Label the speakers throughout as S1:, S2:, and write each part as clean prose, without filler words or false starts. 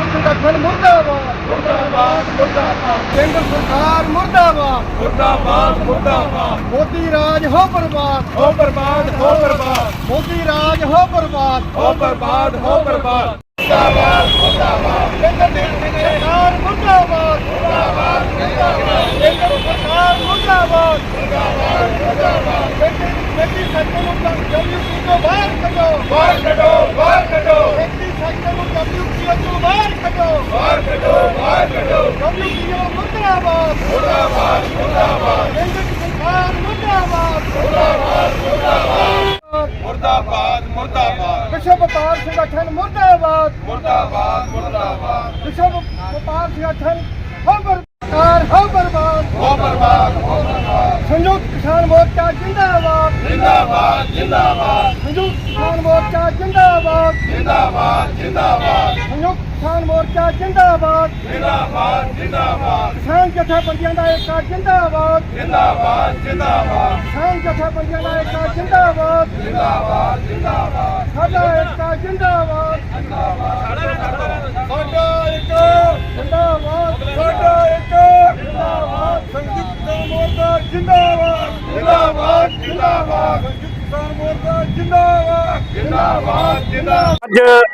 S1: संगठन मुर्दाबाद मुर्दाबाद मुर्दाबाद। केंद्र सरकार मुर्दाबाद मुर्दाबाद मुर्दाबाद। मोदी राज हो बर्बाद हो बर्बाद हो बर्बाद। मोदी राज हो बर्बाद हो बर्बाद हो बर्बाद। मुर्दाबाद मुर्दाबाद। केंद्र सरकार मुर्दाबाद मुर्दाबाद मुर्दाबाद। केंद्र सरकार मुर्दाबाद मुर्दाबाद मुर्दाबाद। खेती सेक्टर को डब्ल्यूपी को बाहर करो बाहर करो बाहर करो। खेती सेक्टर को डब्ल्यूपी को बाहर करो बाहर करो बाहर करो। डब्ल्यूपी मुर्दाबाद मुर्दाबाद मुर्दाबाद। केंद्र सरकार मुर्दाबाद मुर्दाबाद मुर्दाबाद मुर्दाबाद मुर्दाबाद। विश्व व्यापार संगठन मुर्दाबाद मुर्दाबाद मुर्दाबाद। विश्व व्यापार संगठन हो बर्बाद हो बर्बाद हो बर्बाद हो बर्बाद। संयुक्त किसान मोर्चा जिंदाबाद जिंदाबाद जिंदाबाद। संयुक्त किसान मोर्चा जिंदाबाद जिंदाबाद जिंदाबाद। संयुक्त किसान मोर्चा जिंदाबाद जिंदाबाद जिंदाबाद। किसान जथेबंदियां दा एकता जिंदाबाद जिंदाबाद जिंदाबाद। किसान जथेबंदियां दा एकता जिंदाबाद जिंदाबाद जिंदाबाद। साडा एकता जिंदाबाद जिंदाबाद। साडा एकता जिंदाबाद साडा एकता जिंदाबाद। संयुक्त किसान मोर्चा जिंदाबाद जिंदाबाद जिंदाबाद। संयुक्त किसान मोर्चा जिंदाबाद जिंदाबाद जिंदाबाद।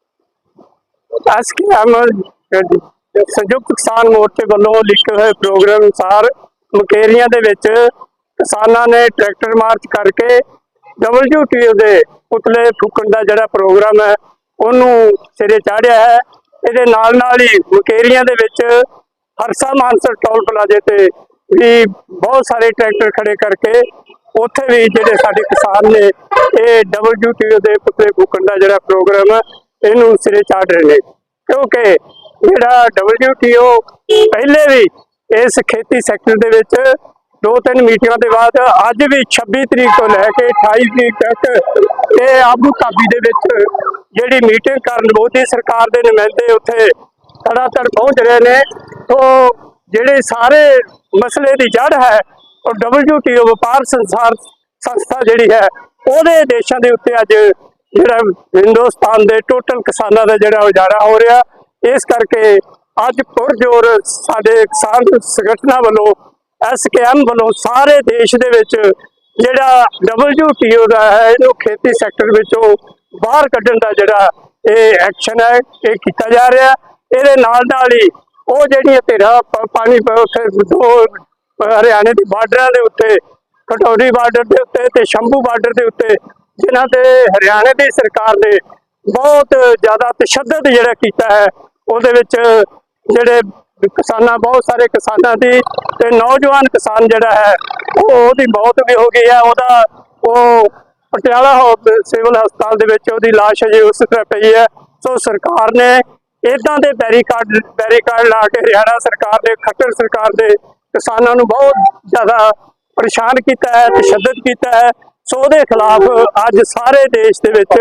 S1: संयुक्त किसान मोर्चे वालों लिखे हुए प्रोग्राम अनुसार मुकेरियां दे विच किसानां ने ट्रैक्टर मार्च करके WTO दे पुतले फूकण का जिहड़ा प्रोग्राम है उन्होंने सिरे चाढ़िया है। इहदे नाल नाल ही मुकेरियां दे विच हरसा मानसर टोल प्लाजे ते भी बहुत सारे ट्रैक्टर खड़े करके उत्थे भी जिहड़े साडे किसान ने ये WTO दे पुतले फूकण का जिहड़ा प्रोग्राम है इनू सिरे चाढ़ रहे हैं। क्योंकि जिहड़ा WTO पहले भी इस खेती सैक्टर दे विच 2-3 मीटिंगां के बाद अज भी 26 तरीक तो लैके 28 तरीक तक ये आबू धाबी दे विच जिहड़ी मीटिंग करन मोदी सरकार के नुमाइंदे उत्थे धड़ाधड़ पहुंच रहे हैं। तो जिहड़े सारे मसले की जड़ है और WTO व्यापार संस्था जिहड़ी है उहदे देशां दे उत्ते अज जिहड़ा हिंदुस्तान के टोटल किसानों का जिहड़ा उजाड़ा हो रहा। इस करके अज पुरजोर साडे किसान संगठनां वालों SKM वालों सारे देश दे विच जिहड़ा WTO का है इहनूं खेती सैक्टर विचों बाहर कड्ढण दा जिहड़ा ये एक्शन है ये कीता जा रहा। इहदे नाल नाल ही वो जिहड़ियां धिरां पानी उत्थे दो हरियाणे के बार्डरां दे उत्ते कटौरी बार्डर के उत्ते ते शंभू बार्डर के उत्ते जिन्हां ते हरियाणे की सरकार ने बहुत ज़्यादा तशद्दद जिहड़ा कीता है उहदे विच जिहड़े किसानां बहुत सारे किसानां दी ते नौजवान किसान जिहड़ा है ओहदी मौत भी हो गई है। ओहदा वो पटियाला सिविल हस्पताल दे विच ओहदी लाश अजे उस तरह पई है। सो सरकार ने इदां दे बैरीकार्ड ला के हरियाणा सरकार ने खट्टर सरकार ने किसानों नूं बहुत ज़्यादा परेशान किया है तशद्दद किया है। सो उहदे खिलाफ अज सारे देश दे विच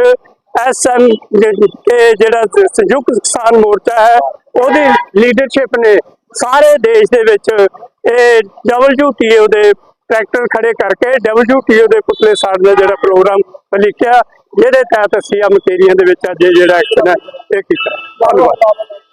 S1: SMK जिहड़ा संयुक्त किसान मोर्चा है उहदी लीडरशिप ने सारे देश दे विच WTO दे ट्रैक्टर खड़े करके WTO दे पुतले साड़ने का जिहड़ा प्रोग्राम लिखिया जिहदे तहत असीं मुकेरियां दे विच अज जिहड़ा एक्शन है ये कीता। धन्नवाद।